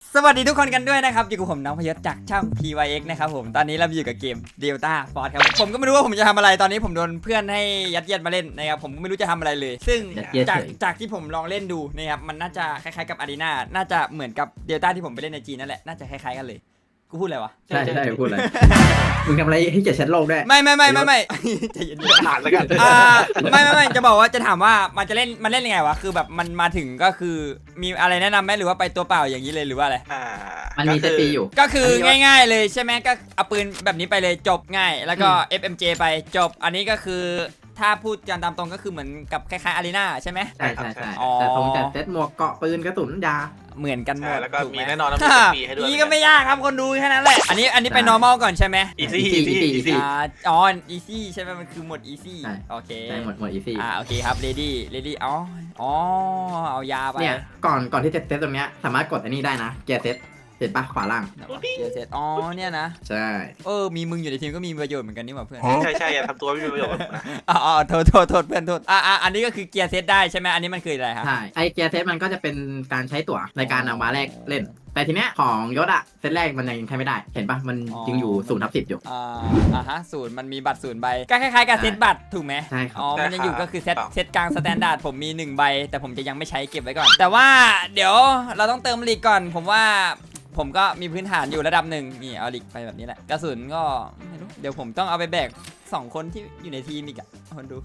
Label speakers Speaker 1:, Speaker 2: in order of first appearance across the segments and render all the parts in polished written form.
Speaker 1: สวัสดีทุกคนกันด้วยนะครับอยู่กับผมน้องพยศจากช่อง PYX นะครับผมตอนนี้เราอยู่กับเกม Delta Force ครับผมก็ไม่รู้ว่าผมจะทำอะไรตอนนี้ผมโดนเพื่อนให้ยัดเยียดมาเล่นนะครับผมไม่รู้จะทำอะไรเลยซึ่งจากที่ผมลองเล่นดูนะครับมันน่าจะคล้ายๆกับ Arena น่าจะเหมือนกับ Delta ที่ผมไปเล่นในจีนนั่นแหละน่าจะคล้ายๆกันเลยกูพูดอะไรวะ
Speaker 2: ใช่พูดอะไรมึงทำอะไรให้เจ็ดชั้นโลกได้
Speaker 1: ไม่ใจเย็นๆ
Speaker 3: อ่านแล้วกัน
Speaker 1: ไม่จะบอกว่าจะถามว่ามันเล่นยังไงวะคือแบบมันมาถึงก็คือมีอะไรแนะนำไหมหรือว่าไปตัวเปล่าอย่างนี้เลยหรือว่าอะไร
Speaker 2: มันมีเซตปีอยู่
Speaker 1: ก็คือง่ายๆเลยใช่ไหมก็เอาปืนแบบนี้ไปเลยจบง่ายแล้วก็ FMJ ไปจบอันนี้ก็คือถ้าพูดกันตามตรงก็คือเหมือนกับคล้ายๆอารีนาใช่ไหม
Speaker 2: ใช่แต่ตรงแต่เซตหมวกเกาะปืนกระสุนยา
Speaker 1: เหมือนกันหมด
Speaker 3: แล้วก็มีแน่นอนต้องมีปีให้ด้วย
Speaker 1: นี่ก็ไม่ยากครับคนดูแค่นั้นแหละอันนี้ไป normal ก่อนใช่ไหม
Speaker 3: easy
Speaker 1: อ๋อ easy ใช่ไหมมันคือหมด easy โอเค
Speaker 2: ใช่หมด easy
Speaker 1: โอเคครับ ready อ๋อเอายาไป
Speaker 2: เนี่ยก่อนที่จะเซตตรงเนี้ยสามารถกดอันนี้ได้นะเกียร์เซตเห็นปะขวาล่าง
Speaker 1: เสร็จเนี่ยนะ
Speaker 2: ใช่
Speaker 1: มีมึงอยู่ในทีมก็มีประโยชน์เหมือนกันนี่หว่าเพื่อน
Speaker 3: ใช่อย่าทำตัวไม่มีประโยชน์นะ
Speaker 1: โทษเพื่อนโทษอันนี้ก็คือเกียร์เซตได้ใช่ไหมอันนี้มันคืออะไรครับ
Speaker 2: ใช่ไอเกียร์เซตมันก็จะเป็นการใช้ตั๋วในการเอามาแลกเล่นแต่ทีเนี้ยของยศอะเซตแรกมันยังใช้ไม่ได้เห็นปะมันยังอยู่0/10อยู่
Speaker 1: ศูนย์มันมีบัตร0 ใบก็คล้ายๆกับเซตบัตรถูกไหม
Speaker 2: ใช่ครับ
Speaker 1: มันยังอยู่ก็คือเซตกลางสแตนดาร์ดผมมี1 ใบแต่ผมจะยังไม่ใช้เก็บไว้ก่อนแต่ว่าเดี๋ยวเราต้องเติมลีกก่อนผมว่าผมก็มีพื้นฐานอยู่ระดับหนึ่งนี่เอาลิกไปแบบนี้แหละกระสุนก็ไม่รู้เดี๋ยวผมต้องเอาไปแบก2 คนที่อยู่ในทีมอีกอะคนดู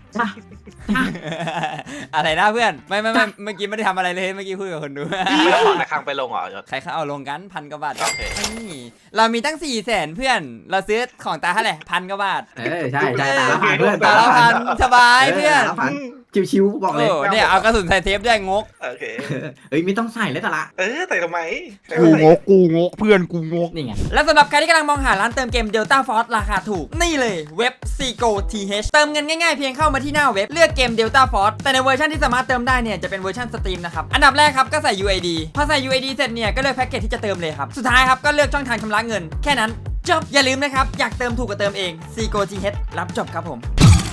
Speaker 1: อะไรนะเพื่อนไม่เมื่อกี้ไม่ได้ทำอะไรเลยเมื่อกี้คุยกับคนดู
Speaker 3: ไม่ต้องถอนในครั้งไปลงเหรอ
Speaker 1: ใครเขาเอาลงกัน1,000 กว่าบาทนี่เรามีตั้ง400,000เพื่อนเราซื้อของตาเท่าไหร่1,000 กว่าบาท
Speaker 2: ใช่ตาละพันเพื่อน
Speaker 1: ตาละพันสบายเพื่อน
Speaker 2: ชิวๆบอกเลย
Speaker 1: เนี่ยเอากระสุนใส่เทปด้วยงก
Speaker 3: โอเค
Speaker 2: ไม่ต้องใส่เลยแต่ละ
Speaker 3: ใส่ทำไม
Speaker 1: กูงกเพื่อนกูงก
Speaker 2: นี่ไง
Speaker 1: และสำหรับใครที่กำลังมองหาร้านเติมเกม Delta Force ราคาถูกนี่เลยเว็บ Seago TH เติมเงินง่ายๆเพียงเข้ามาที่หน้าเว็บเลือกเกม Delta Force แต่ในเวอร์ชันที่สามารถเติมได้เนี่ยจะเป็นเวอร์ชันสตรีมนะครับอันดับแรกครับก็ใส่ UID พอใส่ UID เสร็จเนี่ยก็เลือกแพ็กเกจที่จะเติมเลยครับสุดท้ายครับก็เลือกช่องทางชำระเงินแค่นั้นจบอย่าลืมนะครับอยากเติมถูกก็เติมเอง Seago TH รับจบครับผม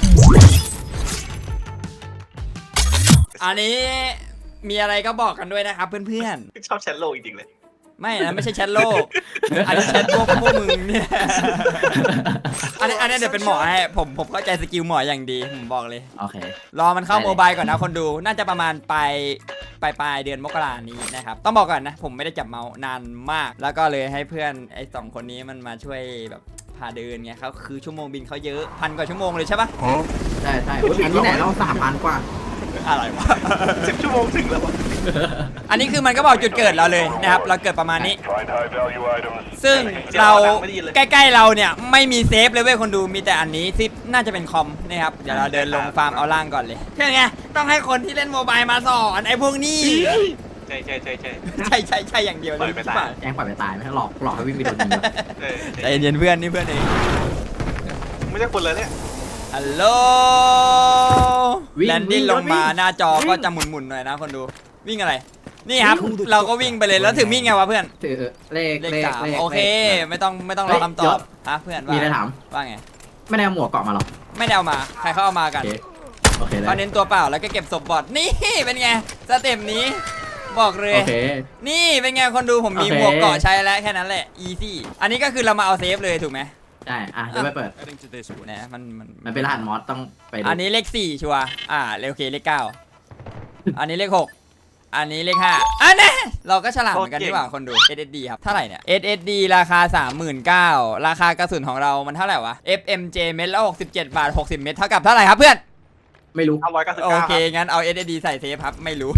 Speaker 1: อันนี้มีอะไรก็บอกกันด้วยนะครับเพื่อน
Speaker 3: ๆชอบแชทโลกจริงๆเลย
Speaker 1: ไม่นะไม่ใช่แชทโลกอันนี้แชทพวกมึงเนี่ยอันนี้เดี๋ยวเป็นหมอให้ผมเข้าใจสกิลหมออย่างดีผมบอกเลย
Speaker 2: โอเค
Speaker 1: รอมันเข้าโมบายก่อนนะคนดูน่าจะประมาณปลายเดือนมกรานี้นะครับต้องบอกก่อนนะผมไม่ได้จับเมาส์นานมากแล้วก็เลยให้เพื่อนไอ้2 คนนี้มันมาช่วยแบบพาเดินไงเขาคือชั่วโมงบินเขาเยอะ1,000 กว่าชั่วโมงเลยใช่ปะ
Speaker 2: ใช่อันนี้ไหนเรา3,000 กว่า
Speaker 1: อะไรวะ
Speaker 3: 10 ชั่วโมงถึงแล้ววะ
Speaker 1: อันนี้คือมันก็บอกจุดเกิดเราเลยนะครับเราเกิดประมาณนี้ซึ่งเราใกล้ๆเราเนี่ยไม่มีเซฟเลยเว้ยคนดูมีแต่อันนี้ที่น่าจะเป็นคอมนะครับเดี๋ยวเราเดินลงฟาร์มเอาล่างก่อนเลยใช่ไงต้องให้คนที่เล่นโมบายมาสอนไอ้พวกนี้
Speaker 3: ใช่
Speaker 1: อย่างเดียวเลย
Speaker 2: แองปล่อยไปตายไหมหลอกให้วิ่งไปโดนยิง
Speaker 1: ใจเย็นเพื่อนนี่เพื่อนเอง
Speaker 3: ไม่ใช่คนเลยเนี่ย
Speaker 1: ฮัลโหลแลนดิ้งลงมาหน้าจอก็จะหมุนๆหน่อยนะคนดูวิ่งอะไรนี่ครับเราก็วิ่งไปเลยแล้วถึงวิ่งไงวะเพื่อน
Speaker 2: ถือเลข
Speaker 1: 3โอเคไม่ต้องรอคำตอบเพื่อน
Speaker 2: มีอะไรถาม
Speaker 1: ว่าไง
Speaker 2: ไม่ได้เอาหมวกเกาะมาหรอ
Speaker 1: ไม่ได้เอามาใครเขาเอามากันเขาเน้นตัวเปล่าแล้วก็เก็บศพบอทนี่เป็นไงสเต็ปนี้บอกเลยนี่เป็นไงคนดูผมมีหมวกเกาะใช้แล้วแค่นั้นแหละอีซี่อันนี้ก็คือเรามาเอาเซฟเลยถูกไหม
Speaker 2: ใช่เดี๋ยวไปเปิด
Speaker 1: นะ
Speaker 2: มันเป็นรหัสมอสต้องไป
Speaker 1: อันนี้เลข4ชัวร์โอเคเลข9อันนี้เลข6อันนี้เลข5อันนี้เราก็ฉลาดเหมือนกันดีกว่าคนดู SSD ครับเท่าไหร่เนี่ย SSD ราคา 39,000ราคากระสุนของเรามันเท่าไหร่วะ FMJ เม็ดละ67 บาท60 เม็ดเท่ากับเท่าไหร่ครับเพื่อน
Speaker 2: ไม่รู้
Speaker 3: 199
Speaker 1: โอเคงั้นเอา SSD ใส่เซฟครับไม่รู้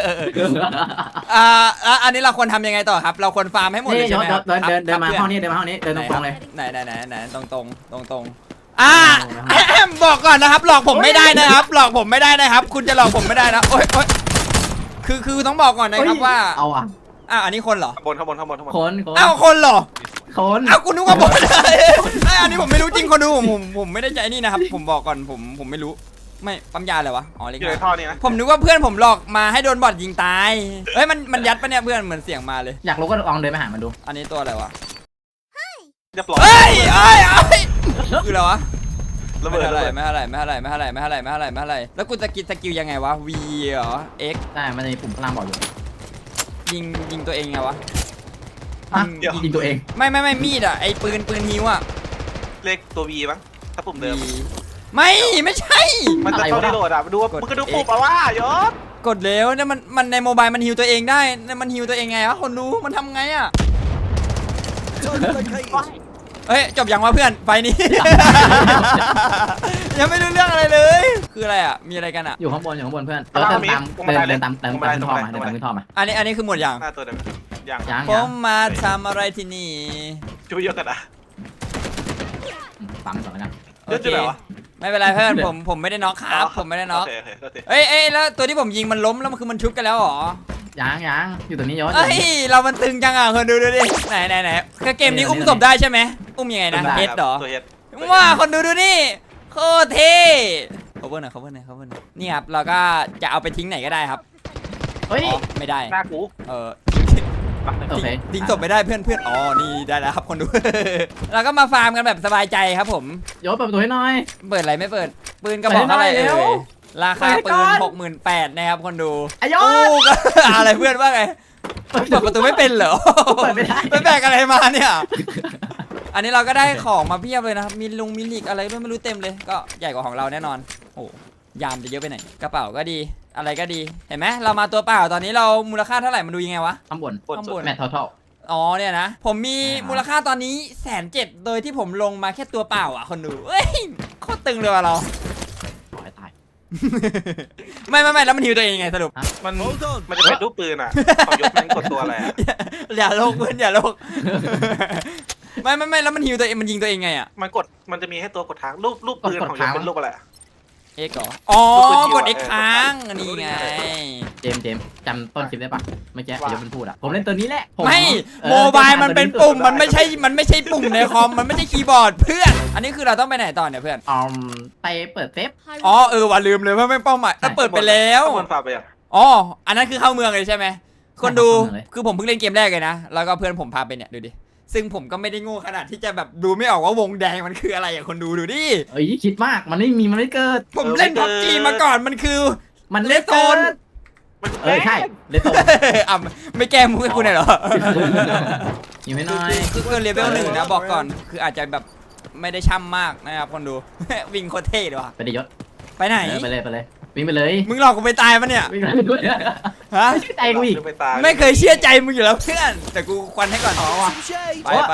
Speaker 1: อันนี้เราควรทำยังไงต่อครับเราควรฟาร์มให้หมดเลยใช่ไหมครับ
Speaker 2: เดินมาห้องนี้เดินตรงเลย
Speaker 1: ไหนตรงบอกก่อนนะครับหลอกผมไม่ได้นะครับหลอกผมไม่ได้นะครับคุณจะหลอกผมไม่ได้นะโอ๊ยคือต้องบอกก่อนนะครับว่าอันนี้คนเหรอ
Speaker 3: ข้างบน
Speaker 1: คนเหรอ
Speaker 2: คน
Speaker 1: คุณนึกว่าบนอันนี้ผมไม่รู้จริงคนดูผมไม่ได้ใจนี่นะครับผมบอกก่อนผมไม่รู้ไม่ปั๊มยาเลยวะ
Speaker 3: เล็กท่อนี่นะ
Speaker 1: ผมนึกว่าเพื่อนผมหลอกมาให้โดนบอทยิงตายเฮ้ยมันยัดปะเนี่ยเพื่อนเหมือนเสียงมาเลย
Speaker 2: อยากรู้ก็ลองเดินไปหามันดู
Speaker 1: อันนี้ตัวอะไรวะ
Speaker 3: เรียบร้อย
Speaker 1: เฮ้ยคืออะไรวะไม่อะไรแล้วกูจะกินสกิลยังไงวะ V เหรอ X
Speaker 2: ใช่มันจะมีปุ่มพลังบอกอยู่
Speaker 1: ยิงตัวเองไงวะ
Speaker 2: ฮะยิงตัวเอง
Speaker 1: ไม่มีดอ่ะไอ้ปืนฮิวอ่ะ
Speaker 3: เลขตัว V มั้งถ้าปุ่มเดิม
Speaker 1: ไม่ใช่
Speaker 3: มันจะเข้าที่โหลดอ่ะดูว่ามึงก็ดูปุ่มเอาว่ายศ
Speaker 1: กดแล้วเนี่ยมันในโมบายมันฮิวตัวเองได้มันฮิวตัวเองไงวะคนดูมันทำไงอ่ะเฮ้ยจบยังวะเพื่อนไฟนี้ ยังไม่รู้เรื่องอะไรเลย คืออะไรอ่ะมีอะไรกันอ่ะ
Speaker 2: อยู่ข้างบนเพื่อนเดินตามขึ้นท่อมาขึ้นท่อมา
Speaker 1: อันนี้คือหมดอย่าง
Speaker 3: หน้าตัวเดิมอย่าง
Speaker 2: ยัง
Speaker 1: ผมมาทำอะไรที่นี่
Speaker 3: ช่วยเยอะกันอ่ะ
Speaker 2: ปั๊มก่อนแล้วกัน
Speaker 1: โอ
Speaker 3: เยอะ
Speaker 1: เค
Speaker 3: จุดไหนวะ
Speaker 1: ไม่เป็นไรเพื่อนผมไม่ได้น็อกครับผมไม่ได้น็อก
Speaker 3: โอเคโอเค
Speaker 1: เอ้ยแล้วตัวที่ผมยิงมันล้มแล้วมันคือมันชุบกันแล้วเหรอ
Speaker 2: ยังอยู่ตรงนี้ยศ
Speaker 1: เอ้ยเรามันตึงจังอ่ะคนดูดิไหนคือเกมนี้อุ้มศพได้ใช่ไหมอุ้มยังไงนะเฮดเหรอ
Speaker 3: ตัวเฮด
Speaker 1: ว่าคนดูนี่โคตรเท่cover หน่อยนี่ครับเราก็จะเอาไปทิ้งไหนก็ได้ครับ
Speaker 2: เฮ้ย
Speaker 1: อ๋อไม่ได้
Speaker 3: หน้ากู
Speaker 2: โอเค
Speaker 1: ทิ้งศพไม่ได้เพื่อนอ๋อนี่ได้แล้วครับคนดู เราก็มาฟาร์มกันแบบสบายใจครับผม
Speaker 2: ยศเปิดประตูให้หน่อย
Speaker 1: เปิดอะไรไม่เปิดปืนกระบอกเท่าไหร่
Speaker 2: เปิดให้หน่อยเร็
Speaker 1: เอ่
Speaker 2: วย
Speaker 1: ราคา
Speaker 2: เปิดให้
Speaker 1: ปื
Speaker 2: ก่อน
Speaker 1: น 68,000นะครับคนดู
Speaker 2: ไอ้ยศ
Speaker 1: อู้ก็ อะไรเพื่อนว่าไงเปิดประตูไม่เป็นเหรอ
Speaker 2: เปิดไม่ได้
Speaker 1: ไปแบกอะไรมาเนี่ย อันนี้เราก็ได้ของมาเพียบเลยนะครับมีลุงมิลิกอะไรด้วยไม่รู้เต็มเลย ก็ใหญ่กว่าของเราแน่นอน โอ้ยามจะเยอะไปไหนกระเป๋าก็ดีอะไรก็ดีเห็นไหมเรามาตัวเปล่าตอนนี้เรามูลค่าเท่าไหร่มาดูยังไงวะ
Speaker 2: ข้างบน
Speaker 3: ปวดสุด
Speaker 2: แมททอล
Speaker 1: อ๋อเนี่ยนะผมมี
Speaker 2: อ่ามู
Speaker 1: มูลค่าตอนนี้107,000โดยที่ผมลงมาแค่ตัวเปล่าอ่ะคนดูเอ้ยโคตรตึงเลยว่ะเรา
Speaker 2: ขอให้ตาย
Speaker 1: ไม่แล้วมันฮิวตัวเองยังไงสรุป
Speaker 3: มันจะเป็นรูปปืนอ่ะของยศมันกดตัวอะไรอ่ะ
Speaker 1: อย่าโลกเพื่อนอย่าโลก ไม่แล้วมันฮิวตัวเองมันยิงตัวเองไงอ่ะ
Speaker 3: มันจะมีให้ตัวกดทางรูปปืนของยศเป็นรูปอะไรอ่ะ
Speaker 1: เอ็กเหรออ๋อ
Speaker 3: รูปปืนฮิว
Speaker 1: ก
Speaker 3: อะ
Speaker 1: ดเอ็กค้างอันนี้ไง
Speaker 2: เจมส์จำต้นคลิปได้ปะเมื่อกี้ยศมันพูดอะผมเล่นตัวนี้แหละผม
Speaker 1: ไม่
Speaker 2: เออ
Speaker 1: โมบายมันเป็นปุ่ม
Speaker 3: ตัวนี้
Speaker 1: มันไม่ใช่ปุ่มในคอมมันไม่ใช่คีย์บอร์ดเพื่อน อันนี้คือเราต้องไปไหนต่อเนี่ยเพื่อน
Speaker 2: ไปเปิดเซฟ
Speaker 1: อ๋อว่าลืมเลยว่าไม่เป้าหมายเปิดไปแล้ว
Speaker 3: ข้างบนฝาไปยัง
Speaker 1: อ๋ออันนั้นคือเข้าเมืองเลยใช่ไหมคนดู
Speaker 2: เข้าเมืองเลย
Speaker 1: คือผมเพิ่งเล่นเกมแรกเลยนะแล้วก็เพื่อนผมพาไปเนี่ยดูดิซึ่งผมก็ไม่ได้โง่ขนาดที่จะแบบดูไม่ออกว่าวงแดงมันคืออะไรอะคนดูดิ
Speaker 2: เอ้ยคิดมากมันไม่เกิด
Speaker 1: ผมเล่นพับจีมาก่อนมันคือ
Speaker 2: มัน
Speaker 1: เลสโซน
Speaker 3: มัน
Speaker 2: ใช่เลตโต
Speaker 1: อ่ะไม่แก้มุกให้คุณหน่อยเหรอ
Speaker 2: ยิงไม่น้อย
Speaker 1: คือเกินเลเวล1นะบอกก่อนคืออาจจะแบบไม่ได้ช่ำมากนะครับคนดู วิ่งโคตรเท่เลยว่ะ
Speaker 2: ไปดิยศ
Speaker 1: ไปไหน
Speaker 2: ไปเลยวิ่งไปเลย
Speaker 1: มึงหลอกกูไปตายปะเนี่ย
Speaker 2: วิ่งไปด้วย
Speaker 1: ฮะ
Speaker 2: ไม่ใช่ใจกูอีก
Speaker 3: ไปตาย
Speaker 1: ไม่เคยเชื่อใจมึงอยู่แล้วเพื่อนแต่กูควันให้ก่อนอ๋อว่ะไป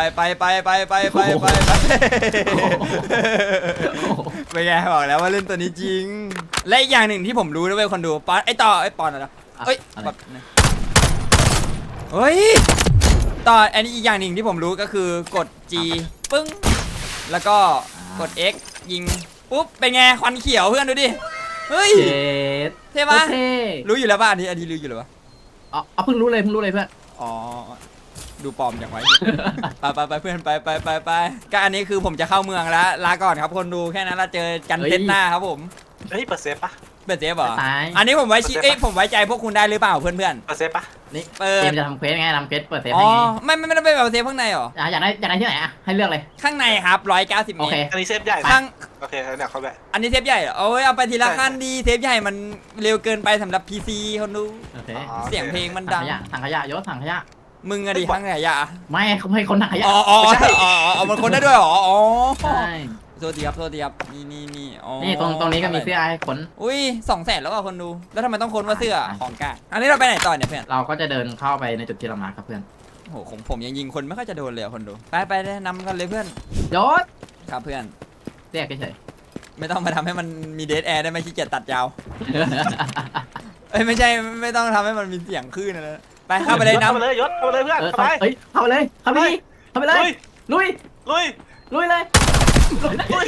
Speaker 1: เป็นไงบอกแล้วว่าเล่นตัวนี้จริง และอีกอย่างหนึ่งที่ผมรู้ด้วยคนดูปอนไอต่อไอปอนอะไรเอ้ยแบบเฮ้ยต่ออันนี้อีกอย่างหนึ่งที่ผมรู้ก็คือกด G ปึ้งแล้วก็กด X ยิงปุ๊บเป็นไงควันเขียวเพื่อนดูดิเฮ้ย
Speaker 2: เจ็ด
Speaker 1: เท่ปะ
Speaker 2: เท่
Speaker 1: รู้อยู่แล้วป่ะอันนี้รู้อยู่แล้วป่ะ
Speaker 2: เพิ่งรู้เลยเพื่อน
Speaker 1: อ๋อดูปลอมอย่างไว้ ไปเพื่อนไปก็อันนี้คือผมจะเข้าเมืองแล้วลาก่อนครับคนดูแค่นั้นเราเจอกันเทสหน้าครับผม
Speaker 3: เฮ้ยเปิดเซฟปะ
Speaker 1: เปิดเซฟเหรอ
Speaker 2: ตาย
Speaker 1: อันนี้ผมไว้ผมไว้ใจพวกคุณได้หรือเปล่าเพื่อน
Speaker 3: เปิดเซฟปะ
Speaker 2: นี่
Speaker 1: เปิด
Speaker 2: เจมจะทำเควสไงทำเควสเปิดเซฟ
Speaker 1: อ๋อ
Speaker 2: ให้ไง
Speaker 1: ไม่ได้ไปแบบเซฟข้างในเหรอ
Speaker 2: อยากได้ที่ไหนอะให้เลือกเลย
Speaker 1: ข้างในครับ190
Speaker 2: โอ
Speaker 1: เม
Speaker 2: เค
Speaker 1: ตร
Speaker 3: อันนี้เซฟใหญ่
Speaker 1: ข้าง
Speaker 3: โอเคเนี่ยเขาแบบ
Speaker 1: อันนี้เซฟใหญ่เหรอเอาไปทีละขั้นดีเซฟใหญ่มันเร็วเกินไปสำหรับ PC คนดู
Speaker 2: โอเค
Speaker 1: เสียงเพลงมัน
Speaker 2: ถั
Speaker 1: ดั
Speaker 2: ง
Speaker 1: ง
Speaker 2: ขยะยศถังขยะ
Speaker 1: มึงอะดิข้างไหนอะ
Speaker 2: ไม่เขาให้คนถังขยะ
Speaker 1: อ๋อมันคนได้ด้วยเหรออ๋อ
Speaker 2: ใช่
Speaker 1: โทษทีครับนี่อ๋อ
Speaker 2: นี่ตรงนี้ก็มีเสื้อให้ขน
Speaker 1: อุ้ย200,000แล้วอ่ะคนดูแล้วทำไมต้องค้นว่าเสื้อของกลางอันนี้เราไปไหนต่อเนี่ยเพื่อน
Speaker 2: เราก็จะเดินเข้าไปในจุดที่เรามาครับเพื่อน
Speaker 1: โอ้โหของผมยังยิงคนไม่ค่อยจะโดนเลยอะคนดูไปแนะนำกันเลยเพื่อน
Speaker 2: ยศ
Speaker 1: ครับเพื่อน
Speaker 2: เรียกเฉย
Speaker 1: ไม่ต้องมาทำให้มันมีเดทแอร์ได้ไหมขี้เกียจตัดยาวเอ้ยไม่ใช่ไม่ต้องทำให้มันมีเสียงคลื่นอะไรนะไปเข้าไปเลย
Speaker 3: เข้า
Speaker 1: น้ำ
Speaker 3: ไปเลยยศเข้าไปเลยเพื่อน
Speaker 2: เออ
Speaker 3: เข้าไป
Speaker 2: เข้าไปเลยเข้าไปเลย ลุย
Speaker 3: ลุย
Speaker 2: เลย
Speaker 3: ลุย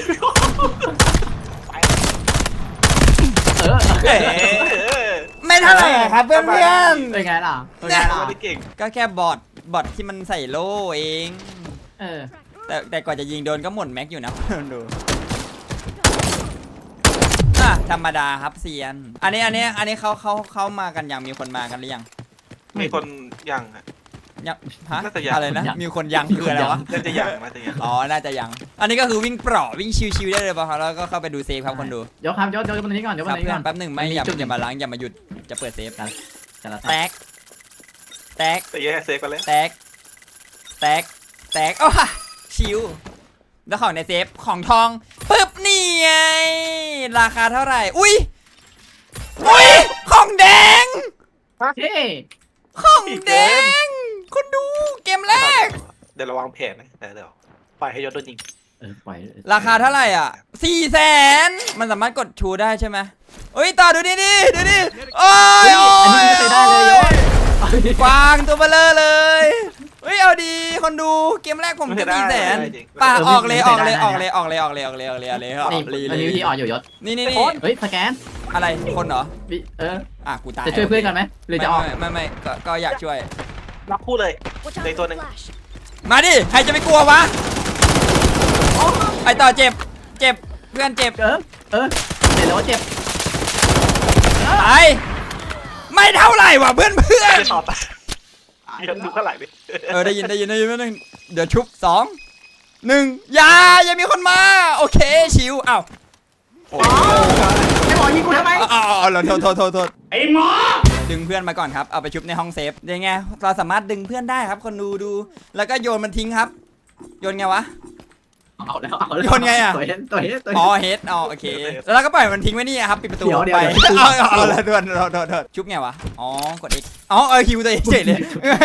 Speaker 2: เออ
Speaker 1: เอ๊ะไม่เท่าไหร่ครับเพื่อน
Speaker 2: เป็นไงล่ะ
Speaker 3: ไม่เก่ง
Speaker 1: ก็แค่บอทที่มันใส่โล่เอง
Speaker 2: เออ
Speaker 1: แต่ก่อนจะยิงโดนก็หมดแม็กอยู่นะคนดูธรรมดาครับเซียนอันนี้เขามากันยังมีคนมากันหรือยัง
Speaker 3: มีคนยังอ่ะ
Speaker 1: ยังฮะ
Speaker 3: น่าจะยัง
Speaker 1: อะไรนะมีคนยังคืออะไรวะ
Speaker 3: น่าจะยังน่าจะยัง
Speaker 1: อ๋อน่าจะยังอันนี้ก็คือวิ่งเปราะวิ่งชิวๆได้เลยป่ะครับแล้วก็เข้าไปดูเซฟครับคนดู
Speaker 2: ยกบนนี้ก่อน
Speaker 1: ครับ
Speaker 2: นี้
Speaker 1: เพื่
Speaker 2: ก่
Speaker 1: อ
Speaker 2: อน
Speaker 1: นแป๊บหนึ่งไม่อย่ามาล้างอย่ามาหยุดจะเปิดเซฟ
Speaker 2: กัน
Speaker 1: แตก
Speaker 3: แต่แย่เซฟกันเลย
Speaker 1: แตกแตกโอ้ชิวแล้วของในเซฟของทองปึ๊บนี่ไงราคาเท่าไหร่อุ้ยของแดง
Speaker 2: เท่
Speaker 1: ของแดงคุณดูเกมแรก
Speaker 3: เดี๋ยวระวังแผนนะเดี๋ยวปล่อยให้ยศโดนยิง
Speaker 2: ปล่อย
Speaker 1: ราคาเท่าไหร่อ่ะ400,000มันสามารถกดชูได้ใช่ไหมเอ้ยต่อดูนี่ดิดูดิโอ้ย
Speaker 2: อันนี้ไม่เคยได้เลยยศ
Speaker 1: กวางตัวเบลอเลยเฮ้ยเอาดีคนดูเกมแรกผมจะ400,000ป่าออกเลยครับ
Speaker 2: นี่
Speaker 1: รี
Speaker 2: มันมีวิธีออกอยู่ยศ
Speaker 1: นี่
Speaker 2: เฮ้ยสแกน
Speaker 1: อะไรคนเหรอ กูตาย
Speaker 2: จะช่วยเพื่อนกันไหมหรือจะออก
Speaker 1: ไม่ก็อยากช่วย
Speaker 3: รับคู่เลยในตัวหนึ่ง
Speaker 1: มาดิใครจะไม่กลัววะไอต่อเจ็บเพื่อนเจ็บ
Speaker 2: เดี๋ยวเจ็บ
Speaker 1: ตายไม่เท่าไหร่ว่ะเพื่อน
Speaker 3: จะต่อไปยังดูเท่าไหร่ดิ
Speaker 1: ได้ยินไม่นึงเดี๋ยวชุบ2 1อย่ามีคนมาโอเคชิวอ้าว
Speaker 2: ไอ้หมอยิงกูทำไม
Speaker 1: โทษไอ้หมอดึงเพื่อนมาก่อนครับเอาไปชุบในห้องเซฟยังไงเราสามารถดึงเพื่อนได้ครับคนดูแล้วก็โยนมันทิ้งครับโยนไงวะ
Speaker 2: เอาแล้ว
Speaker 1: โยนไงอะ
Speaker 2: ตัวเฮด
Speaker 1: อ๋อเฮดอ๋อโอเคแล้วเราก็ปล่อยมันทิ้งไว้นี่ครับปิดประตู
Speaker 2: เดี๋ยว
Speaker 1: ไป
Speaker 2: เดี๋ยว
Speaker 1: เอาละโทษชุบไงวะอ๋อกด X อ๋อคิวตัวเองเฉยเลย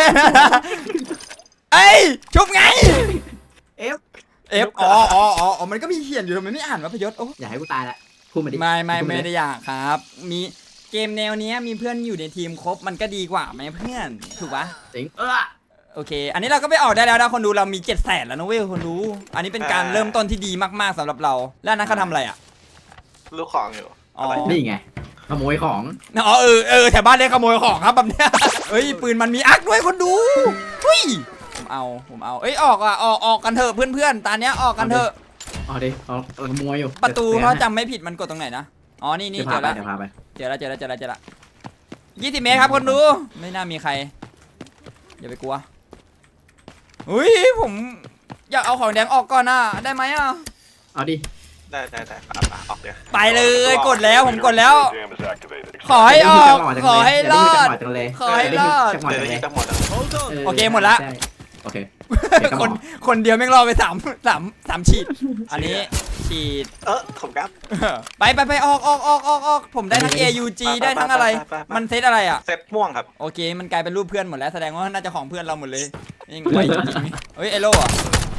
Speaker 1: เอ้ยชุบไง F อ๋อมันก็มีเขียนอยู่ทำไมไม่อ่านวะพยศโอ้
Speaker 2: อย่าให้กูตายละพูดมาดิ
Speaker 1: ไม่ได้อยากครับ มีเกมแนวเนี้ยมีเพื่อนอยู่ในทีมครบมันก็ดีกว่าไหมเพื่อนถูกปะ
Speaker 2: จริง
Speaker 1: โอเค อันนี้เราก็ไปออกได้แล้วนะคนดูเรามี700,000แล้วนะเว้ยคนดูอันนี้เป็นการเริ่มต้นที่ดีมากๆสำหรับเราแล้วนั้นเขาทำอะไรอ่ะ
Speaker 3: ลูกของอยู่
Speaker 1: อ๋อ
Speaker 2: นี่ไงขโมยของ
Speaker 1: อ๋อแถวบ้านได้ขโมยของครับแบบเนี้ยเฮ้ยปืนมันมีอักด้วยคนดูทุยผมเอาเอ้ยออกกันเถอะเพื่อนๆตาเนี้ยออกกันเถอะ
Speaker 2: เอาดิเอาขโมยอยู่
Speaker 1: ประตูเขาจำไม่ผิดมันกดตรงไหนนะอ๋อนี่เจอแล้ว
Speaker 2: เดี๋ยวพาไป
Speaker 1: เจอแล้ว20 เมตรครับคนดูไม่น่ามีใครอย่าไปกลัวอุ้ยผมอยากเอาของแดงออกก่อนนะได้ไหมอ่ะ
Speaker 2: เอาดิ
Speaker 3: ได้ออกเดี๋ยว
Speaker 1: ไปเลยกดแล้วผมกดแล้ว ขอให้ออกขอให้รอดขอให้รอด
Speaker 3: เดี๋ยวยิงทั้งหมดอ่ะ
Speaker 1: โอเคหมดละ
Speaker 2: โอเค
Speaker 1: คนเดียวแม่งรอไป3 ฉีดอันนี้ฉีด
Speaker 3: ผมครับ
Speaker 1: ไปออกผมได้ทั้ง AUG ได้ทั้งอะไรมันเซตอะไรอ่ะ
Speaker 3: เซตม่วงครับ
Speaker 1: โอเคมันกลายเป็นรูปเพื่อนหมดแล้วแสดงว่าน่าจะของเพื่อนเราหมดเลยยังไงจริงๆเฮ้ยไอโล่อะ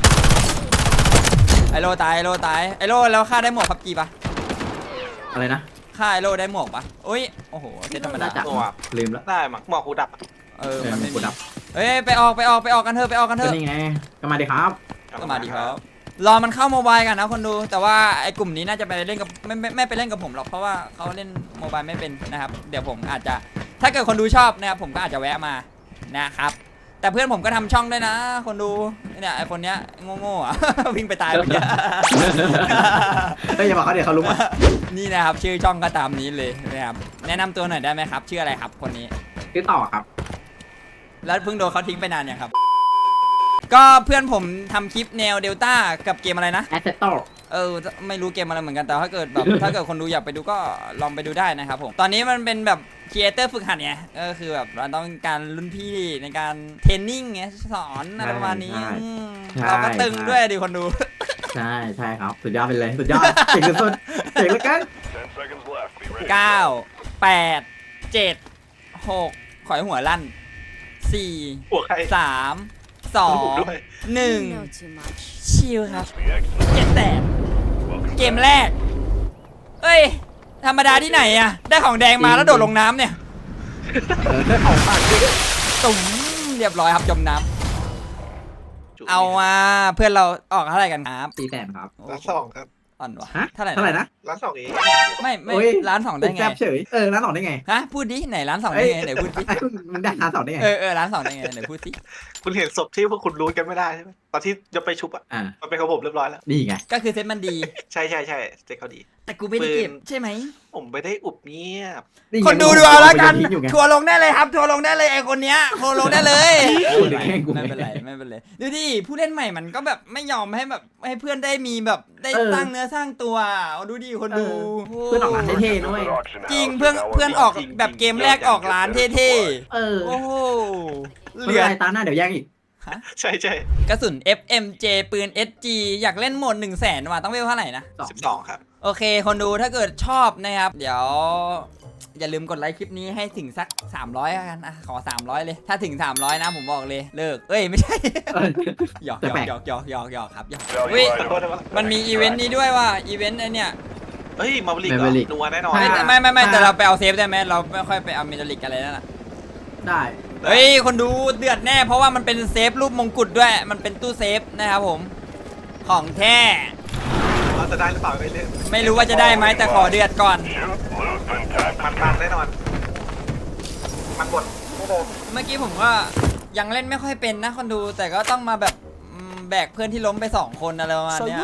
Speaker 1: ไอโล่ตายไอโล่แล้วค่าได้หมวกพับจีปะ
Speaker 2: อะไรนะ
Speaker 1: ค่าไอโล่ได้หมวกปะโอ้ยโอ้โหเซตธรรมดา
Speaker 2: จับลืมแล้ว
Speaker 3: ได้มั้งหมอกกูดับ
Speaker 1: มันไม่
Speaker 2: ก
Speaker 1: มี
Speaker 2: ดดับ
Speaker 1: เฮ้ยไปออกกันเถอะ
Speaker 2: ก็นี่ไงก็มาดิครับ
Speaker 1: ก็มาดีครับรอมันเข้าโมบายกันนะคนดูแต่ว่าไอกลุ่มนี้น่าจะไปเล่นกับไม่ไปเล่นกับผมหรอกเพราะว่าเขาเล่นโมบายไม่เป็นนะครับเดี๋ยวผมอาจจะถ้าเกิดคนดูชอบนะครับผมก็อาจจะแวะมานะครับแต่เพื่อนผมก็ทำช่องด้วยนะคนดูเนี่ยไอคนเนี้ยโง่ๆอ่ะ วิ่งไปตายไปเนี่ย
Speaker 2: เฮ้ยอย่าบอกเขาเดี๋ยวเขารู้ว่า
Speaker 1: นี่นะครับชื่อช่องก็ตามนี้เลยนะครับแนะนำตัวหน่อยได้ไหมครับชื่ออะไรครับคนนี้
Speaker 2: คือต่อครับ
Speaker 1: แล้วเพิ่งโดนเขาทิ้งไปนานยังครับก็เพื่อนผมทำคลิปแนวเดลต้ากับเกมอะไรนะ
Speaker 2: Assetto
Speaker 1: ไม่รู้เกมอะไรเหมือนกันแต่ถ้าเกิดแบบ ถ้าเกิดคนดูอยากไปดูก็ลองไปดูได้นะครับผมตอนนี้มันเป็นแบบครีเอเตอร์ฝึกหัดไงก็คือแบบเราต้องการรุ่นพี่ในการเทรนนิ่งไงสอนอะไรประมาณนี้เราก็ตึงด้วยดิคนดู
Speaker 2: ใช่ครับสุดยอดไปเลยสุดยอดเก่งสุดเก่งเหลือเกิน
Speaker 1: 9 8 7 6ขอยหัวลั่น4
Speaker 3: หัวใคร
Speaker 1: 3
Speaker 3: ด้วย
Speaker 1: 2 1ชิลครับ700,000เกมแรกเอ้ยธรรมดาที่ไหนอะได้ของแดงมาแล้วโดดลงน้ำเนี่ย
Speaker 2: ได้ของฝาก
Speaker 1: ตุ๋มเรียบร้อยครับจมน้ำเอามาเพื่อนเราออกเท่าไหร่กันครับ
Speaker 2: 400,000ครับ
Speaker 3: ร้านสองครับ
Speaker 1: อ่อนวะ
Speaker 2: ฮะ
Speaker 1: เท่าไหร่
Speaker 2: เท่าไหร่นะ
Speaker 3: ร้านสองเอง
Speaker 1: ไม่ร้านสองได้ไง
Speaker 2: แซ่บเฉยร้านสองได้ไง
Speaker 1: ฮะพูดดิไหนร้านสองได้ไงไหนพูดดิ
Speaker 2: มันได้ร้านสองได้ไง
Speaker 1: ร้านสองได้ไงไหนพูดสิ
Speaker 3: คุณเห็นศพที่พวกคุณรู้กันไม่ได้ใช่ไหมตอนที่จะไปชุบอ่ะมันเป็นของผมเรียบร้อยแล้ว
Speaker 2: นี่ไง
Speaker 1: ก็คือเซ็ตมันดี
Speaker 3: ใช่เจ๊เขาดี
Speaker 1: แต่กูไม่ได้เก็บใช่ไหม
Speaker 3: ผมไม่ได้อุบเงียบ
Speaker 1: คนดูเอาแล้วกันทัวร์ลงได้เลยครับทัวร์ลงได้เลยไอคนเนี้ยทัวร์ลงได้เลยไม่เป็นไรดูดิผู้เล่นใหม่มันก็แบบไม่ยอมให้แบบให้เพื่อนได้มีแบบได้สร้างเนื้อสร้างตัวดูดิคนดู
Speaker 2: เพื่อนออกร้านเท่ๆด้วย
Speaker 1: จริงเพื่อนออกแบบเกมแรกออกร้านเท่ๆโอ้โห
Speaker 2: เหลือตาหน้าเดี๋ยวแย่งอีก
Speaker 3: ใช่
Speaker 1: กระสุน FMJ ปืน SG อยากเล่นโหมด 100,000 ว่ะต้องเวลเท่าไหร่นะ
Speaker 3: 12 ครับ
Speaker 1: โอเคคนดูถ้าเกิดชอบนะครับเดี๋ยวอย่าลืมกดไลค์คลิปนี้ให้ถึงสัก300แล้วกันขอ300เลยถ้าถึง300นะผมบอกเลยเลิกเอ้ยไม่ใช่หยอกครับหยอกอุ้ยมันมีอีเวนต์นี้ด้วยว่ะอีเวนต์ไอเนี่ย
Speaker 3: เฮ้ยมาบลิกนัวแน่นอน
Speaker 1: ไม่แต่เราไปเอาเซฟได้ไหมเราไม่ค่อยไปเอาเมทัลลิกอะไรนั่นน่ะ
Speaker 2: ได้
Speaker 1: เฮ้ยคนดูเดือดแน่เพราะว่ามันเป็นเซฟรูปมงกุฎด้วยมันเป็นตู้เซฟนะครับผมของแท้
Speaker 3: เราจะได้หรือเปล่าไม่เล่น
Speaker 1: ไม่รู้ว่าจะได้ไหมแต่ขอเดือดก่อน
Speaker 3: มันแน่นอนมันกด
Speaker 1: เมื่อกี้ผมก็ยังเล่นไม่ค่อยเป็นนะคนดูแต่ก็ต้องมาแบบแบกเพื่อนที่ล้มไป2คนอะไรประมาณเนี้ย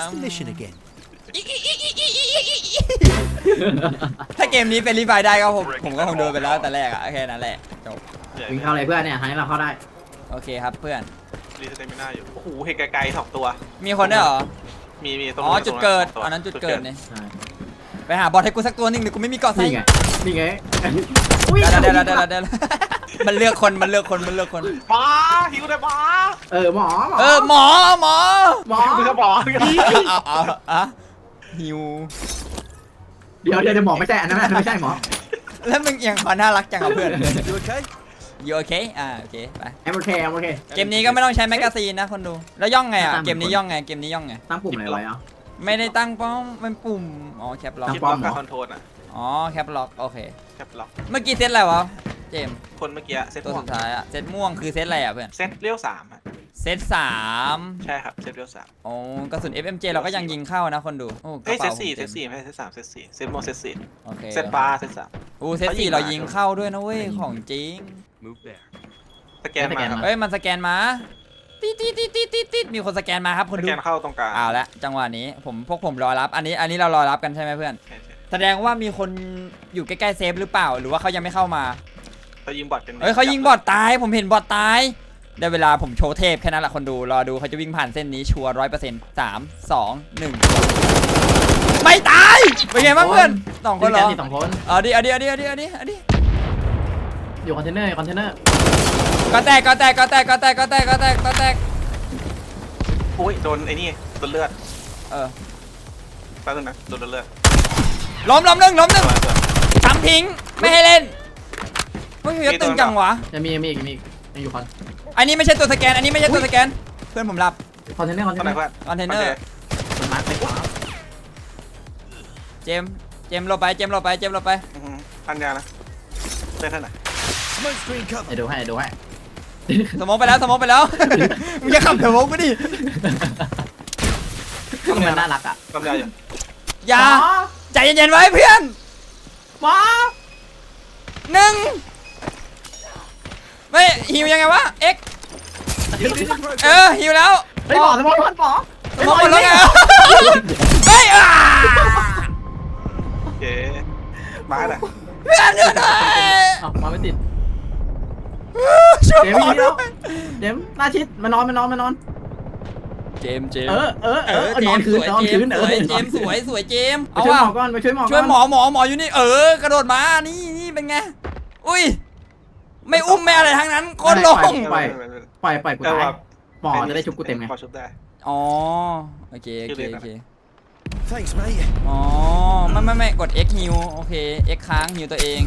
Speaker 1: ถ้าเกมนี้เป็นรีไฟได้ก็ผมก็คงโดนไปแล้วแต่แรกอะแค่นั้นแหละจบ
Speaker 2: วิ่งเข้าเลยเพื่อนเนี่ยทางนี้เราเข้าได้
Speaker 1: โอเคครับเพื่อน
Speaker 3: รีสเตมิน่าอยู่โอ้โหเห็นไกลๆ2 ตัว
Speaker 1: มีคนด้วยเหรอ
Speaker 3: มีตรง
Speaker 1: อ๋อจุดเกิด
Speaker 3: ตรง
Speaker 1: อันนั้นจุดเกิดเนี่ย
Speaker 2: ใช่
Speaker 1: ไปหาบอลให้กูสักตัวหนึ่งเดี๋ยวกูไม่มีเกาะใส่
Speaker 2: นี่ไง
Speaker 1: เดี๋ยวมันเลือกคน
Speaker 3: มาหิวเลยมา
Speaker 2: หมอ
Speaker 1: หมอ
Speaker 3: หิวเลยมา
Speaker 1: เอาหิว
Speaker 2: เดี๋ยวหมอไม่ใช่อันนั้นไม่ใช่หมอ
Speaker 1: แล้วมึงยังขอน่ารักจังกับเพื่อนอยู่โอเคโอเคไป
Speaker 2: โอเค
Speaker 1: เกมนี้ก็ไม่ต้องใช้แมกกาซีนนะคนดูแล้วย่องไงเกมนี้ย่องไง
Speaker 2: ตั้งปุ่มอะไรไว้อ่ะ
Speaker 1: ไม่ได้ตั้งป้อมมันปุ่มอ๋อแคปล็อก
Speaker 3: คิดว่าการคอนโทรลอ่ะ
Speaker 1: อ๋อแคปล็อกโอเค
Speaker 3: แคปล็อก
Speaker 1: เมื่อกี้เซตอะไรวะเจม
Speaker 3: คนเมื่อกี้เซต
Speaker 1: ตัว
Speaker 3: ม่ว
Speaker 1: สุ
Speaker 3: ง
Speaker 1: ดท้ายอะเซตม่วงคือเซตอะไรอะเพื่อน
Speaker 3: เซตเลี้ยว3อ่ะ
Speaker 1: เซต3
Speaker 3: ใช่ครับเซตเลี้ยว3
Speaker 1: โอ้กระสุน FMJ เราก็ยังยิงเข้านะคนดูโอ้กระ
Speaker 3: เฮ้ยเซ
Speaker 1: เป๋า
Speaker 3: ต4ไม่ใช่เซต3เซตม่วงเซต
Speaker 1: โอเค
Speaker 3: 4เซตบาร์เซต3
Speaker 1: โอ้เซต4เรายิงเข้าด้วยนะเว้ยของจริง
Speaker 3: สแกนมาครับ
Speaker 1: เฮ้ยมันสแกนมาติดมีคนสแกนมาครับคน
Speaker 3: ส
Speaker 1: ดู
Speaker 3: แกนเข้าตรงกลาง
Speaker 1: เอาละจังหวะนี้พวกผมรอรับอันนี้เรารอรับกันใช่ไหมเพื่อน
Speaker 3: ใช่
Speaker 1: แสดงว่ามีคนอยู่ใกล้ๆเซฟหรือเปล่าหรือว่าเขายังไม่เข้ามา
Speaker 3: เขายิงบอทกัน
Speaker 1: เฮ้ยเขายิงบอทตายผมเห็นบอทตายได้เวลาผมโชว์เทพแค่นั้นแหละคนดูรอดูเขาจะวิ่งผ่านเส้นนี้ชัวร์100% 3 2 1ไม่ตายเป็นไงบ้างเพื่อน2 คนเหรอ
Speaker 2: 2 คน
Speaker 1: เอาดิ
Speaker 2: อยู่คอนเทนเนอร์
Speaker 1: ก็แตก
Speaker 3: โอ้ยโดนไอ้นี่โดนเลือด แป๊บนึงนะโดนเลือด
Speaker 1: ล้มหนึ่งทำทิ้งไม่ให้เล่นเฮ้ยยตึงจังวะ
Speaker 2: จะมีอีกอยู่คอน
Speaker 1: อันนี้ไม่ใช่ตัวสแกนเพื่อนผมรับ
Speaker 2: คอนเทนเนอร์
Speaker 3: ตอนไหนเพื่อน
Speaker 1: คอนเทนเนอร์
Speaker 2: มันมาร์คไปขวา
Speaker 1: เจมส์เราไป
Speaker 3: พันยานะเป็นท่านไหน
Speaker 2: ดูให้
Speaker 1: สมองไปแล้วมึงจะขับสมองกูดิ
Speaker 2: มันน่ารักอ่ะ
Speaker 3: กำยาอยู่
Speaker 1: อย่าใจเย็นๆไว้เพื่อน
Speaker 2: หมอ
Speaker 1: 1ไม่หิวยังไงวะเอ็กหิวแล้ว
Speaker 2: ไอ้หมอสมองหมอ
Speaker 1: สมองหมดแล้วไงเฮ้ย
Speaker 3: เก๋มาน่ะ
Speaker 1: เพื่อนอยู่ไหน
Speaker 2: มาไม่ติด
Speaker 1: ช่วย
Speaker 2: เจม
Speaker 1: หมอด้วย
Speaker 2: หน้าชิดมานอน
Speaker 1: เจมส์
Speaker 2: นอนคืน
Speaker 1: เจมส์สวยเจมส์
Speaker 2: เอาว่าก่อนไปช่วยหมอ
Speaker 1: ช่วยหมออยู่นี่กระโดดมานี่เป็นไงอุ้ยไม่อุ้มไม่อะไรทั้งนั้นโคตรลง
Speaker 2: ปล่อยกูตายหมอจะได้ชุบกูเต็มไง
Speaker 3: พอชุบได้
Speaker 1: อ๋อโอเค
Speaker 4: Thanks, mate.
Speaker 1: อ๋อไม่กด X heal โอเค X ค้าง heal ตัวเอง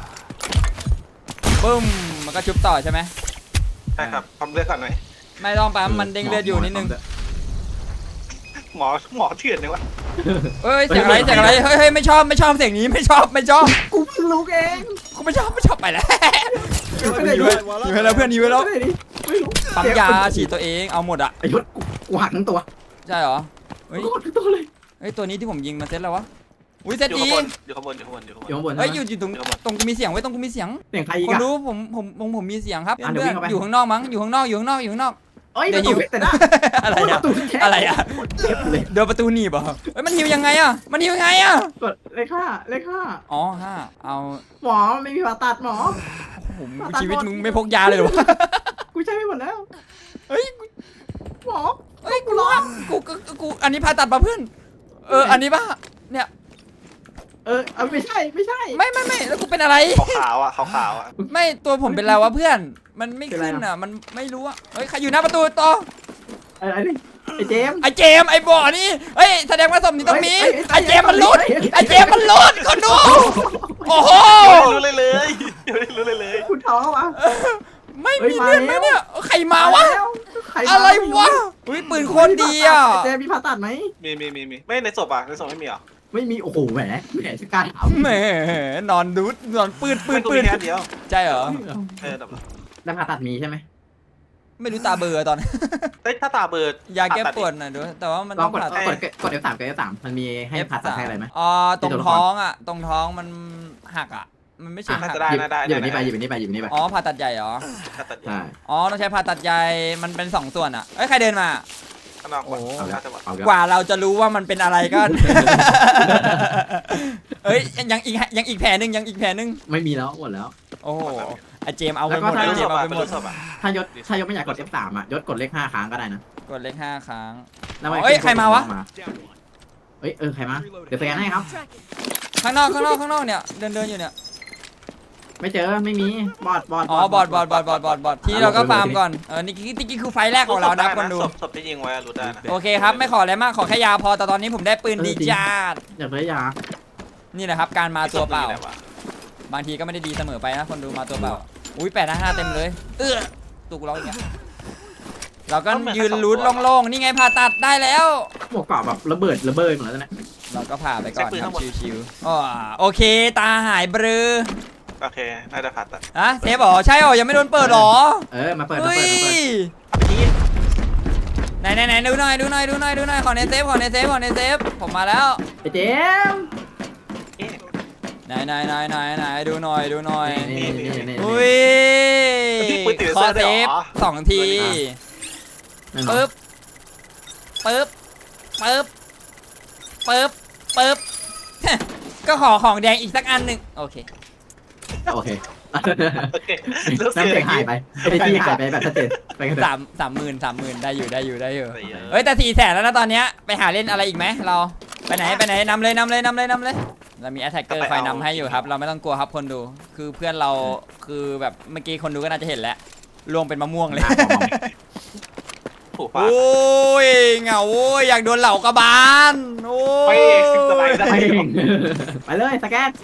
Speaker 1: บึ้มมันก็ชุบต่อใช่ไหม
Speaker 3: ใช่ครับปั๊มเลือดก่อนหน่อย
Speaker 1: ไม่ต้องปั๊มมันเด้งเลือดอยู่นิดนึง
Speaker 3: หมอเถื่อนเลยวะ
Speaker 1: เฮ้ยเสียงอะไรเฮ้ยไม่ชอบเสียงนี้ไม่ชอบ
Speaker 2: กูเพิ่งรู้เอง
Speaker 1: กูไม่ชอบไปแล้วอยู่ให้แล้วเพื่อนอยู่ให้แล้ว
Speaker 2: ไม่รู้
Speaker 1: ปั๊มยาฉีดตัวเองเอาหมดอะ
Speaker 2: ไอ้ยศกูหักทั้งตัว
Speaker 1: ใช่เหรอเฮ้ย
Speaker 2: กูหักทั้งตัวเลย
Speaker 1: เฮ้ยตัวนี้ที่ผมยิงมาเซตแล้ววะอุ้ยเซต
Speaker 3: อยู่
Speaker 1: ดี
Speaker 3: ข้างบน
Speaker 2: อยู่ข้างบน
Speaker 1: เฮ้ยอยู่ตรงกูมีเสียงไว้ตรงกูมีเสียง
Speaker 2: เสียงใครอีก
Speaker 1: คน
Speaker 2: อะ
Speaker 1: รู้ผมมีเสียงครับ
Speaker 2: เดี๋ยว
Speaker 1: เพื่
Speaker 2: วิ่
Speaker 1: อน
Speaker 2: งเข้าไป
Speaker 1: อยู่ข้างนอกมั้งอยู่ข้างนอก
Speaker 2: เอ้ยประตูแต่ละ
Speaker 1: อะไรอะ
Speaker 2: เจ็บเลย
Speaker 1: เดินประตูหนีบเหรอเฮ้ยมันหิวยังไงอะ
Speaker 2: กดเลขห้า
Speaker 1: อ๋อ5เอา
Speaker 2: หมอไม่มีผ่าตัดหมอ
Speaker 1: ผมชีวิตมึงไม่พกยาเลยเหรอวะ
Speaker 2: กูใช้ไม่หมดแล้ว
Speaker 1: เฮ้ย
Speaker 2: หมอ
Speaker 1: กูร้อนกูอันนี้ผ่าตัดป่ะเพื่อนอันนี้ป่ะเนี่ย
Speaker 2: เอาไม่ใช่ไม่ใช่
Speaker 1: ไม่แล้วกูเป็นอะไร
Speaker 3: ขาวๆอ่ะขาวๆอ่ะ
Speaker 1: ไม่ตัวผมเป็นอะไรวะเพื่อนมันไม่
Speaker 2: เป็นไร
Speaker 1: ขึ้น
Speaker 2: อะ
Speaker 1: อ่ะมันไม่รู้อ่ะเฮ้ยใครอยู่หน้าประตูต่อ
Speaker 2: ไอ้นี่ไอ้เจมส์
Speaker 1: ไอเจมส์ไอบ่อนี่เฮ้ยแสดงว่าสมนี้ต้องมี
Speaker 2: เฮ้ย
Speaker 1: ไอเจมส์มันหลุดไอเจมส์มันหลุดคนดูโอ้โห
Speaker 3: รู้เลยเลยยังไม่รู้เลยเลย
Speaker 2: คุณท้อวะ
Speaker 1: ไม่
Speaker 2: เฮ้ย
Speaker 1: มีเลือดไหม
Speaker 2: มาแล้ว
Speaker 1: เนี่ยใครมาวะ
Speaker 2: ใคมา
Speaker 1: อะไรวะอุ้ยปืนโคตรดีอ่ะ
Speaker 2: เจมส์มีผ่าตัดไหม
Speaker 3: มีไม่ในศพอ่ะในศพไม่มีเหรอ
Speaker 2: ไม่มีโอ้โหแหมสกายถาม
Speaker 1: แหมนอนดูดนอนปืน
Speaker 3: ไม่กูมีแค่เดียว
Speaker 1: ใช่เหรอ
Speaker 3: ดับเลย
Speaker 2: ได้ผ่าตัดมีใช่ไหม
Speaker 1: ไม่รู้ตาเบลอตอน
Speaker 3: เอ้ยถ้าตาเบิร์ด
Speaker 1: ยาแก้ปวดหน่อยด้วยแต่ว่ามัน
Speaker 2: ล
Speaker 1: ต้
Speaker 2: อ
Speaker 1: อง ง
Speaker 2: กด
Speaker 1: ผ่าตัด
Speaker 2: กด F3 กด F3 มันมีให้ผ่าตัดให้อะไรไหม
Speaker 1: อ๋อตรงท้องอ่ะตรงท้องมันหักอ่ะมันไม่ใช่
Speaker 3: น่า
Speaker 1: หัก
Speaker 3: จะได้น่าได้
Speaker 2: หยิบอันนี้ไปหยิบอันนี้ไปหยิบอันนี้ไป
Speaker 1: อ๋อผ่าตัดใหญ่เหรอ
Speaker 3: ถ้าตัด
Speaker 2: ใช่
Speaker 1: อ๋อต้องใช้ผ่าตัดใหญ่มันเป็น2ส่วนอ่ะเอ้ยใครเดินมา
Speaker 3: ข้างนอกก่อน
Speaker 2: เอาแล้ว
Speaker 3: น่าจะหมด
Speaker 2: เอาแล้ว
Speaker 1: กว่าเราจะรู้ว่ามันเป็นอะไรก็ เอ้ยยังอีกแผลหนึ่งยังอีกแผลหนึ่ง
Speaker 2: ไม่มีแล้วหมดแล้ว
Speaker 1: โอ้โหไอเจมเอาไป
Speaker 2: แล้ว
Speaker 1: ห
Speaker 2: ก็
Speaker 1: มด
Speaker 2: ถ้า
Speaker 1: ไอ
Speaker 3: รู้
Speaker 1: เจ
Speaker 3: ศ
Speaker 1: ม
Speaker 3: พ
Speaker 1: เอา
Speaker 3: อ่ะ
Speaker 1: ไป
Speaker 3: เป็น
Speaker 1: หมด
Speaker 3: รู้ศพอ่ะ
Speaker 2: ถ้ายศไม่อยากกด F3 อ่ะยศกดเลข5ครั้งก็ได้นะ
Speaker 1: กดเลข5ครั้ง
Speaker 2: แล้วมัน
Speaker 1: เฮ้ยใครมาวะ
Speaker 2: เฮ้ยใครมาเดี๋ยวสแกนให้ครับ
Speaker 1: ข้างนอกเนี่ยเดินอยู่เนี่ย
Speaker 2: ไม่เจอไม่มีบอด
Speaker 1: อ๋อบอดที่เราก็ฟาร์มก่อนนี่คือไฟแรกของเรานะคนดู
Speaker 3: ศพที่ยิงไว้รู้ได้นะ
Speaker 1: โอเคครับไม่ขออะไรมากขอแค่ยาพอแต่ตอนนี้ผมได้ปืนดีจ้าด
Speaker 2: อยากได้ยา
Speaker 1: นี่แหละครับการมาตัวเปล่า บางทีก็ไม่ได้ดีเสมอไปนะคนดูมาตัวเปล่าอุ้ย855เต็มเลยตุกเราอีกแล้วเราก็ยืนลุ้นโล่งๆนี่ไงผ่าตัดได้แล้ว
Speaker 2: หมวกเกราะแบบระเบิดหมดแล้วเนี่ย
Speaker 1: เราก็ผ่าไปก่อนครับชิวๆอ๋อโอเคตาหายเบลอ
Speaker 3: โอเคน่าจะผ่าตัด
Speaker 1: ฮะเซฟเหรอใช่เหรอยังไม่โดนเปิดเหรอ
Speaker 2: มาเปิด
Speaker 1: เฮ้ยไหนดูหน่อยขอในเซฟผมมาแล้ว
Speaker 2: ไอ้เจม
Speaker 1: ไหนดูหน่อย
Speaker 2: นี่
Speaker 1: อุ้ยขอเซฟ2 ทีปึ๊บก็ขอของแดงอีกสักอันหนึ่งโอเค
Speaker 2: โอเค
Speaker 3: โอเค
Speaker 2: น้ำเสียงหายไปไอ้ที่หายไปแบบชัดเจนไปกันเถอะ
Speaker 1: 30,000ได้อยู่เฮ้ยแต่400,000แล้วนะตอนเนี้ยไปหาเล่นอะไรอีกไหมเราไปไหนนำเลยเรามี attacker คอยนำให้อยู่ครับเราไม่ต้องกลัวครับคนดูคือเพื่อนเราคือแบบเมื่อกี้คนดูก็น่าจะเห็นแล้วล่วงเป็นมะม่วงเลย
Speaker 3: ถูก
Speaker 1: โอ้ยเหงาโอ้ยอยากโดนเหล่ากระบาลโอ้ย
Speaker 2: ไปเลยสแกน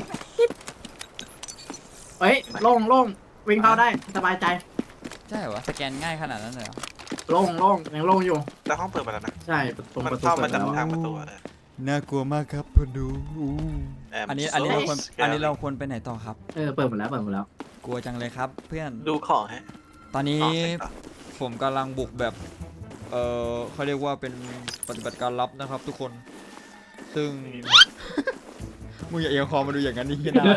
Speaker 2: เฮ้ยโล่งวิ่งเข้าได้สบายใจ
Speaker 1: ใช่เหรอสแกนง่ายขนาดนั้นเลยเหรอ
Speaker 2: โล่งยังโล่งอยู่
Speaker 3: แล้วห้องเปิดมาแล้วนะ
Speaker 2: ใช่ตรง
Speaker 3: มัน
Speaker 2: ประตู
Speaker 3: เข้ามา
Speaker 2: เปิด
Speaker 3: จาก
Speaker 2: แล้ว
Speaker 3: ทางประตู
Speaker 1: น่ากลัวมากครับคนดู อันนี้เราควร
Speaker 3: scary
Speaker 1: อันนี้เราควรไปไหนต่อครับ
Speaker 2: เปิดหมดแล้ว
Speaker 1: กลัวจังเลยครับเพื่อน
Speaker 3: ดูของฮะ
Speaker 1: ตอนนี้ผมกำลังบุกแบบเขาเรียกว่าเป็นปฏิบัติการลับนะครับทุกคน ซึ่ง มึงอย่าเอียงคอมาดูอย่างนั้นนี่นะ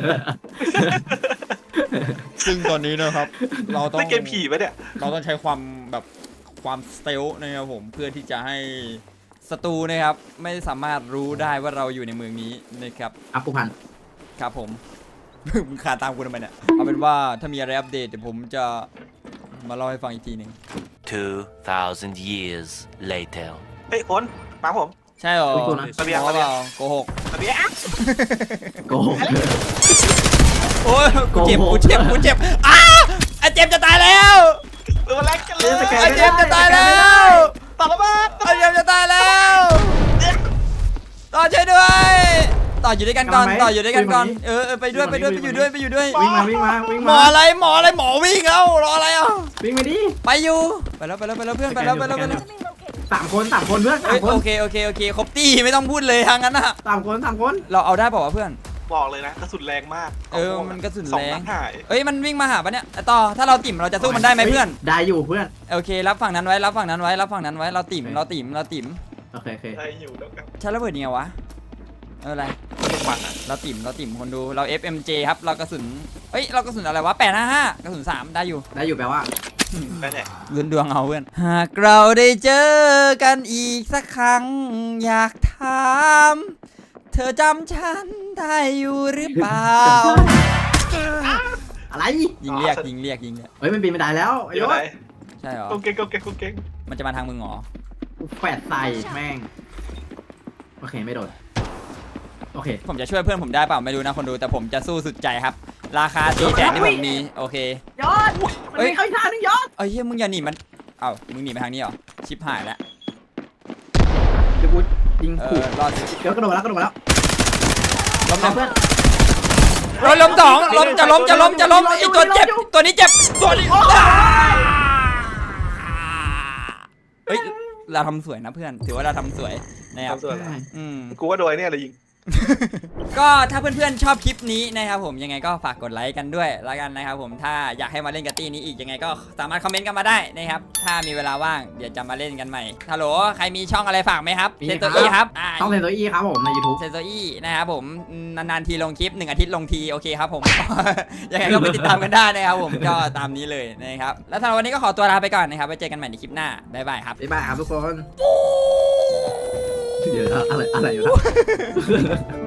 Speaker 1: ซึ่งตอนนี้นะครับ เราต้อง
Speaker 3: เล่นเกมผีปะเนี่ย
Speaker 1: เราต้องใช้ความสเตลนะครับผมเพื่อที่จะให้ศัตรูนะครับไม่สามารถรู้ได้ว่าเราอยู่ในเมืองนี้นะครับ
Speaker 2: อัพผู้พัน
Speaker 1: ครับผม มึงขาตามกูทำไมเนี่ยเอาเป็นว่าถ้ามีอะไรอัปเดตเดี๋ยวผมจะมาเล่าให้ฟังอีกทีหนึ่ง
Speaker 5: 2,000 years later.
Speaker 3: เฮ้ยคนมาผม
Speaker 1: ใช่เหรอ
Speaker 3: ระเบียง
Speaker 1: โกหกเปล่าโกหก
Speaker 3: ระเบียง
Speaker 2: โกหก
Speaker 1: โอ้ยกูเจ็บอ้าไอเจมจะตายแล้ว
Speaker 3: ตัวแรกกันเลย
Speaker 1: ไอเจมจะตายแล้ว
Speaker 3: ต่อระเบิด
Speaker 1: ไอเจมจะตายแล้วต่อช่วยด้วยต่ออยู่ด้วยกันก่อนไปด้วยไปอยู่ด้วย
Speaker 2: วิ่งมา
Speaker 1: หมออะไรหมอวิ่งแล้วรออะไรอ่ะ
Speaker 2: วิ่งมาดิ
Speaker 1: ไปอยู่ไปแล้วเพื่อนไปแล้ว
Speaker 2: สามคนเพื่อน
Speaker 1: เอ้ยโอเคครบตี้ไม่ต้องพูดเลยทางนั้นอ่ะ
Speaker 2: สามคน
Speaker 1: เราเอาได้เปล่าวะเพื่อน
Speaker 3: บอกเลยนะกระสุนแรงมาก
Speaker 1: มันกระสุน
Speaker 3: สอ
Speaker 1: แรง
Speaker 3: นัดหาย
Speaker 1: เอ้ยมันวิ่งมาหาปะเนี่ยต่อถ้าเราติ่มเราจะสู้มันได้ไหมเพื่อน
Speaker 2: ได้อยู่เพื่อน
Speaker 1: โอเครับฝั่งนั้นไว้เราติ่ม
Speaker 2: โอเค
Speaker 3: ได้อยู่แล้วกัน
Speaker 1: ใช้ระเบิดยังไงวะอะไร
Speaker 3: มันอ่ะ
Speaker 1: เราติ่มคนดูเรา FMJ ครับเรากระสุนเรากระสุนอะไรวะ855กระสุน3ได้อยู่
Speaker 2: แปลว่า
Speaker 3: ได้แน่
Speaker 1: ลุ้นดวงเอาเพื่อนหากเราได้เจอกันอีกสักครั้งอยากถามเธอจำฉันได้อยู่หรือเปล่า
Speaker 2: อะไร
Speaker 1: ยิงเรียก
Speaker 2: เฮ้ยมันปีนไม่ได้แล้วไอ้
Speaker 3: เดี๋ย
Speaker 2: ยว
Speaker 3: ไหน
Speaker 1: ใช่เหรอ
Speaker 3: กงเก่ง
Speaker 1: มันจะมาทางมึงเหรอ
Speaker 2: แฝดใส่แม่งโอเคไม่โดนโอเค
Speaker 1: ผมจะช่วยเพื่อนผมได้เปล่าไม่รู้นะคนดูแต่ผมจะสู้สุดใจครับ ราคา400,000ที่ผมมีโอเค
Speaker 2: ยอดมันมีเข้าอีกทางนึงยอด
Speaker 1: เอ้ยเฮ้ยมึงอย่าหนีมันเอ้ามึงหนีไปทางนี้เหรอชิปหายแล้ว
Speaker 2: เดี๋ยวกูยิงขู่
Speaker 1: รอดสิ
Speaker 2: เดี๋ยวกระโดดมาแล้วกระโดดมาแล้ว
Speaker 1: ล้ม
Speaker 2: เพื่อน
Speaker 1: ล้มสองล้มจะล้มไอตัวเจ็บตัวนี้เจ็บตัวนี้เฮ้ยเราทำสวยนะเพื่อนถือว่าเราทำสวยนะครับ
Speaker 3: ทำส่วนอะไร
Speaker 1: อืม
Speaker 3: กูว่าโดยเนี่ยเลยยิง
Speaker 1: ก็ถ้าเพื่อนๆชอบคลิปนี้นะครับผมยังไงก็ฝากกดไลค์กันด้วยแล้วกันนะครับผมถ้าอยากให้มาเล่นกับตี้นี้อีกยังไงก็สามารถคอมเมนต์กันมาได้นะครับถ้ามีเวลาว่างเดี๋ยวจะมาเล่นกันใหม่ฮัลโหลใครมีช่องอะไรฝากไหมครับเซนโตอี้ครับ
Speaker 2: ต้องเซนโซอี้ครับผมใน YouTube
Speaker 1: เซนโตอี้นะครับผมนานๆทีลงคลิป1 อาทิตย์ลงทีโอเคครับผม ยังไงก็ไปติดตามกันได้นะครับผมก็ตามนี้เลยนะครับแล้วสำหรับวันนี้ก็ขอตัวลาไปก่อนนะครับไว้เจอกันใหม่ในคลิปหน้าบ๊ายบายครับ
Speaker 2: บ๊ายบายครับทุกคน เดี๋ยวอะไรอยู่นะ